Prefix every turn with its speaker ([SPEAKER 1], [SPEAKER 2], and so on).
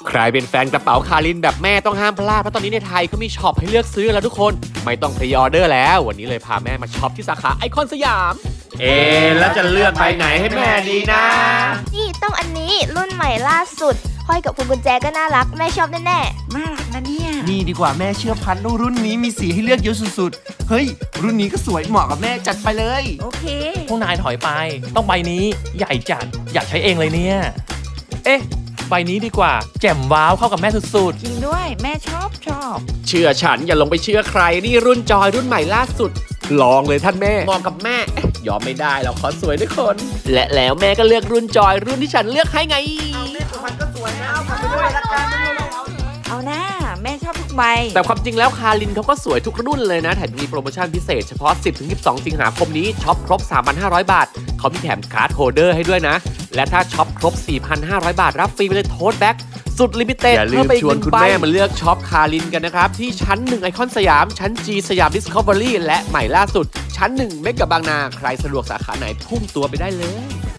[SPEAKER 1] ใครเป็นแฟนกระเป๋าคารินแบบแม่ต้องห้ามพลาดเพราะตอนนี้ในไทยเขามีช็อปให้เลือกซื้อแล้วทุกคนไม่ต้องพรีออเดอร์แล้ววันนี้เลยพาแม่มาช็อปที่สาขาไอคอนสยามแล้วจะเลือกไปไหนให้แม่ดีนะ
[SPEAKER 2] นี่ต้องอันนี้รุ่นใหม่ล่าสุดห้อยกับพวงกุญแจก็น่ารักแม่ชอบแน่
[SPEAKER 3] น่ารักนะเนี่ย
[SPEAKER 4] นี่ดีกว่าแม่เชื่อพันรุ่นนี้มีสีให้เลือกเยอะสุดๆ เฮ้ย รุ่นนี้ก็สวยเหมาะกับแม่จัดไปเลย
[SPEAKER 3] โอเค
[SPEAKER 5] พวกนายถอยไปต้องใบนี้ใหญ่จัดอยากใช้เองเลยเนี่ยเอ๊ะใบนี้ดีกว่าแจ่มว้าวเข้ากับแม่สุด
[SPEAKER 3] จริงด้วยแม่ชอบ
[SPEAKER 1] เชื่อฉันอย่าลงไปเชื่อใครนี่รุ่นจอยรุ่นใหม่ล่าสุด ลองเลยท่านแม่มองกับแม่ยอมไม่ได้เราขอสวยด้วยคน และแล้วแม่ก็เลือกรุ่นจอยรุ่นที่ฉันเลือกให้ไง
[SPEAKER 3] เอาหน้าแม่ชอบทุกใบ
[SPEAKER 1] แต่ความจริงแล้วคารินเขาก็สวยทุกรุ่นเลยนะแถมมีโปรโมชั่นพิเศษเฉพาะ 10-12 สิงหาคมนี้ช็อปครบ 3,500 บาทเขามีแถมการ์ดโฮลเดอร์ให้ด้วยนะ และถ้าช็อปครบ 4,500 บาทรับฟรีไปเลยโทสแบ็กสุดลิมิเต็ดอย่าลืมชวนคุณแม่มาเลือกช็อปคารินกันนะครับ ที่ชั้น 1 ไอคอนสยาม ชั้น G สยามดิสคัฟเวอรี่และใหม่ล่าสุด ชั้น 1 เมกะบางนา ใครสะดวกสาขาไหนพุ่งตัวไปได้เลย